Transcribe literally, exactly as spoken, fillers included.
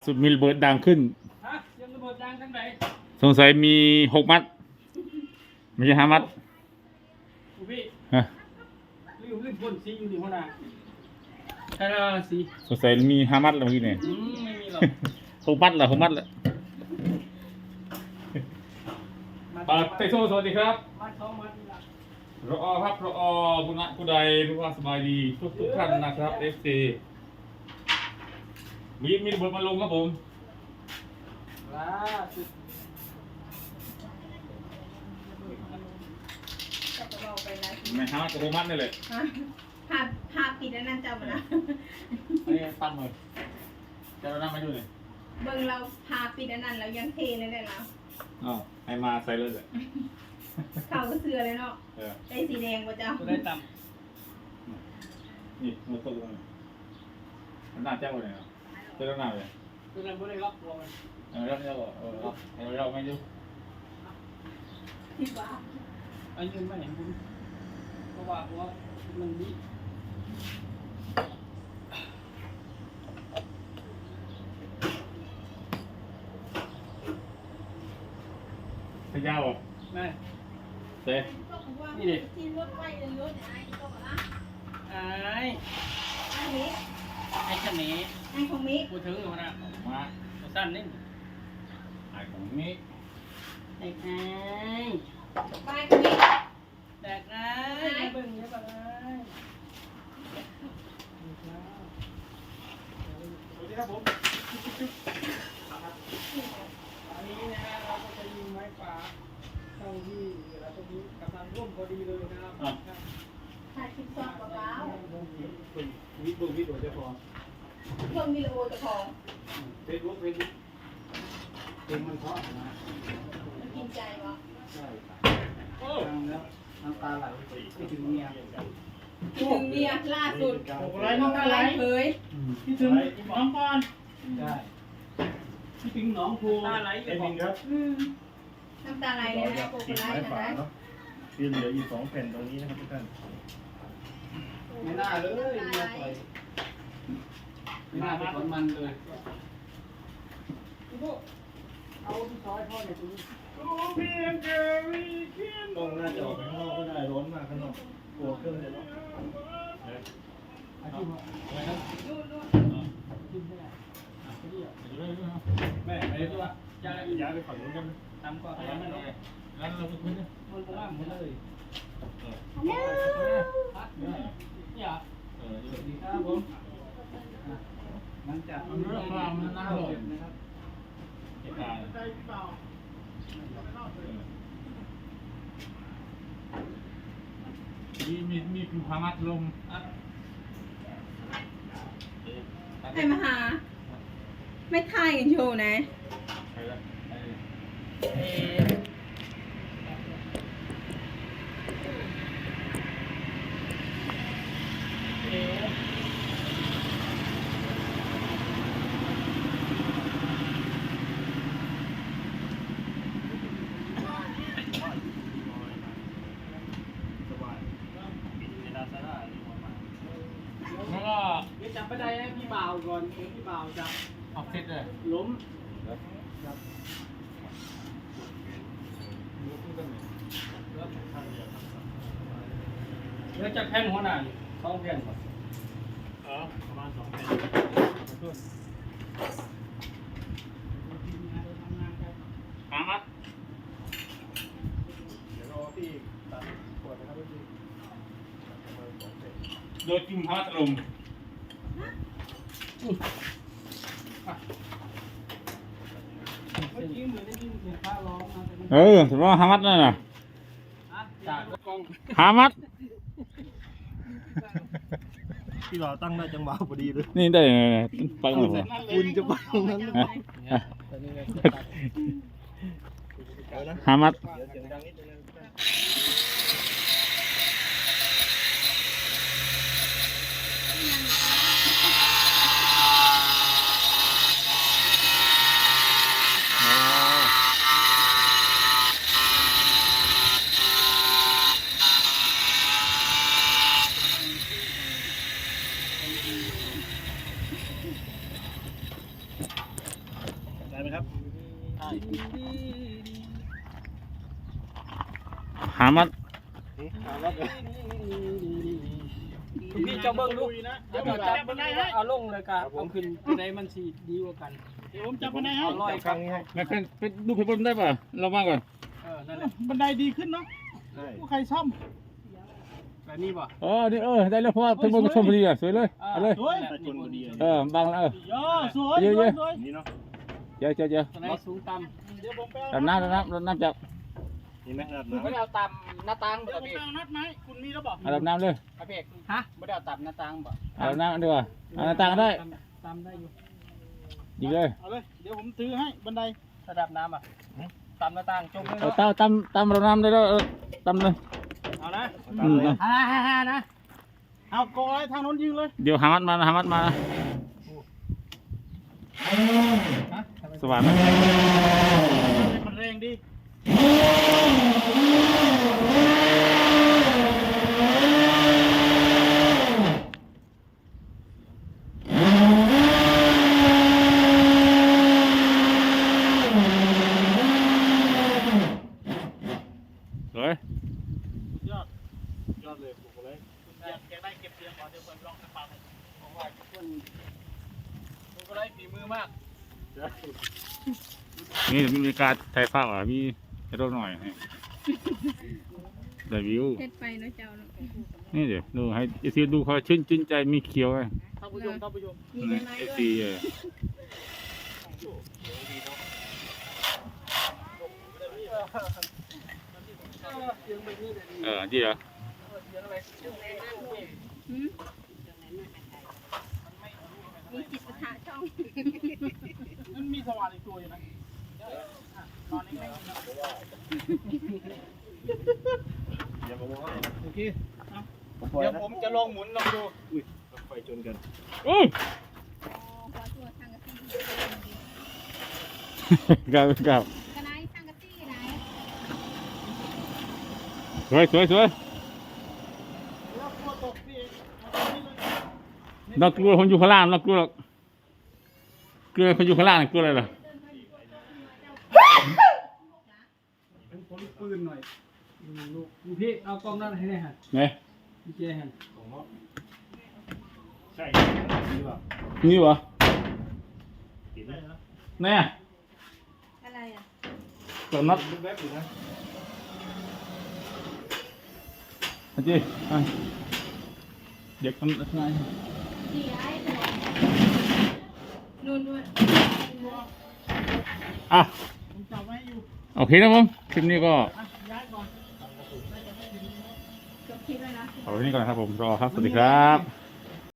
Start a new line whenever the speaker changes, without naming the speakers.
สุดมีระเบิดดังขึ้น
ฮะยังระเบิดดังทั้งไหน
สงสัยมีหกมัดไม่ใช่ห้ามัด
อุพี่
ฮะ
ลืมลืมพ่นสีอยู่ดีหัวหน้าใช่ละสี
สงสัยมีห้ามัดแล้วเมื่อกี้เนี่ย
อืมไม่มีหรอก
หกมัดเหรอหกมัดเหรอปาเตโซสวัสดีครับ
มัดสองมัดนี่ละ
รอครับรอบุญผู้ใดรู้ว่าสบายดีทุกทุกท่านนะครับเอฟซีมีมีระเบิดมาลงครับผม
ล่าสุด
ไม่ห้ามัดกับหกมัดนี่เลย
ภาพภาพปิดแล้วนั่นจำมาละ
อันนี้ปั้นเลยจะเรานั่งมาอยู่เลย
เบิ่งเราพาปิดแล้วนั่นเรายังเทเลยได้แล้ว
อ๋อให้มาใส่เลยเลย
เข้าก็เสือเลยเนาะได้สีแดงป่ะเจ้า
ได้ต่
ำนี่มันตกลงมันน่าเจ้าเลยเนาะเจ้าหน้าเลย
ตัวนั้นไม่ได้ล็อกลง
เออเราเราเออเราเราไม่ดู
ที่บ้า
อันนี้ไม่เห็นผมเพราะว่าเพราะว่ามันดี
พยาวอ่ะ
แม่
เต้
นี่ดิ
ที่รถไฟเลยรถไอ้ตัวละ
ไอ้
ไอ้นี้
ไอ้ขนม
ไอ้ของมิก
พูดถึงอยู่นะ
มา
สั้นนี่
ไอ้ของมิก
ไอ้ไอ้
ไปของมิก
แตกไอ้มาเบิ่งเยอะไปเลยสวัสดีครับผมอันนี้นะฮะเราก็จะยิงไม้ป่าเข้าที่เราตรงนี้กำลังร่วมพอดีเลยนะครับ
ถ่ายคลิปซ้อมกับเรา
วิดดูวิดดูจะพอ
เพิ่มมีโลจะพอ
เฟซบุ๊กเฟซบุ๊กเพลงมันเพราะนะ
มันกินใจวะ
ใช่โอ้แล้วน้ำตาไหลคิดถึงเมีย
คิดถึงเมียล่าสุด
อะไรน้องอะไร
เคย
คิดถึงน้องปอนใช่คิดถึงน้องภูตาไหลอยู่บอกครับ
น้ำตาไหลเลยนะโกโกไลท์นะ
ที่เหลืออีกสองแผ่นตรงนี้นะครับทุกท่าน
ไม่น่าเลยเมียปล่อยไม่น่าเป็นคนมันเลยเอาที่ซอยพ่อเนี่ยตรงนี้
ต้องน่าจะออกไปข้างนอกก็ได้ร้อนมากข้างนอกกลัวเครื่องจะร้อน
อาชีพอะไรนะกินไม่ได้แม่ไปตัวย้ายย้ายไปฝั่งนู้นกันทำก็ทำไม่ได้งั้นเราไปคุยกันมันก็ล่ามหมดเลยฮัลโหลเนี่ยสวัสดีครับผมมันจะมันเรื่องความมันน่าหลงนะครับเหตุการณ์
มีมีมีคือพามัดลม
ให้มาหาไม่ทายกันโชว์นะ
แล้วก็
เดี๋ยวจับไปได้ให้พี่บ่าวก่อนพี่บ่าวจับ
ออกเสร็จเลย
ล้มเดี๋ยวจะแผ่นหัวหน้าสองแผ่นก่อน
เออประมาณสองแผ่น
หามัด
เดี๋ยวรอพี่ตัดขวดนะครับพี่
โดยจิ้มพามัดลมเออถือว่าหามัดนั่นน่ะหามัด
พี่บ่าวตั้งได้จังหวะพอดีเลย
นี่ได้ไปหมดเลย
คุณจะไปตรงนั้น
หามัด
ครับ
หามัด
พี่เจ้าเบิ้งลูกนะเดี๋ยวจับบันไดให้เอาลงเลยกันเอาขึ้นบันไดมันสีดีกว่ากันเดี๋ยวผมจับบันไดให้เอาลอยครั้งนี้ให้
งั้นเป็นเป็นดูเพลินได้ป่ะเรามาก่อน
เออนั่นแหละบันไดดีขึ้นเนาะผู้ใครซ่อมแบบนี้ป่ะ
เออนี่เออได้แล้วเพราะว่าเพลินมาชมพอดีอ่ะสวยเลยเอาเลย
สวยชนพอดี
เออบังเออ
ย่อสวยสวยสวย
นี่เนาะ
เจอเจอเจอ
บันไดสูงต่ำเดี๋ยวผมไป
ดำน้ำดำน้ำดำน้ำจับ
นี่ไหมครับ
ไม่ได้เอาต่ำหน้าต่างบ่พี่นัดไหมคุณมีแล้วบอก
เอาดำน้ำเลย
ครับพี่ฮะไม่ได้เอาต่ำหน้าต่างบ่
เอาดำน้ำดีกว่าเอาหน้าต่างก็ได้
ต่ำได้อยู่
ยิงเลย
เอาเลยเดี๋ยวผมถือให้บันไดระดับน้ำอ่ะต่ำหน้าต่างจมเลย
เอาตามตามตามเราน้ำได้แล้วตามเลย
เอานะ
อืม
ฮ่าฮ่าฮ่านะเอาโกยทางโน้นยิงเลย
เดี๋ยวหามัดมาหามัดมาสว่างไหม
มันแรงดี
สวย
ยอดยอดเลยปลูกเลยอยากได้เก็บเสียงก่อนเดี๋ยวผมลองสักปากผมว่าเพื่อนปลูกอะไรฝีมือมาก
นี่มีการถ่ายภาพอ่ะมีให้เราหน่อยให้ได้วิว
เฮ็ดไปเนาะเจ้าเนาะ
นี่เดี๋ยวดูให้เอซีดูเขาชื่นชื่นใจมีเขียวไง
ท่านผู้ชมท่านผู้ชม
มีใบไม้
เอ
ด้วย
ซีเออเออดีเหรอ
หืมมีจิตประทะช่อง
มันมีสว่านอีกตัวอยู่นะตอนนี้ไม่โอเคเดี๋ยวผมจะลองหมุนลองดู
อุ้ยไฟชนกัน
อู้
ขอตัวทางกะตี้
กับกับ
กระไรทางกะตี้ไหน
สวยสวยสวย
แล้วกลัวตกพี่เองเอาตรงนี้เลย
เรากลัวคนอยู่ข้างล่างเรากลัวหรอกกลัวคนอยู่ข้างล่างกลัวอะไรล่ะ
เป็นคนปืนหน่อยลูกพี่เอากล้องนั่นให้ได้ฮะ
ไหน
พี่เจฮะ
ใช่นี่ป่ะ
นี่วะ
ติดไหม
แน่
อะไรอ่ะ
ตัวน็อต
ลูกแวบอยู่นะ
อาจีอ่ะเด็กทำอะไร
ดีไอ้ตัวนู่นด้วย
อ่ะ
ผมจับไว้อยู่
โอเคนะผมคลิปนี้ก็
อ่ะย้ายก่อน
จบคลิปแล้วนะ
เอาไว้ที่นี่ก่อนนะครับผมรอครับสวัสดีครับ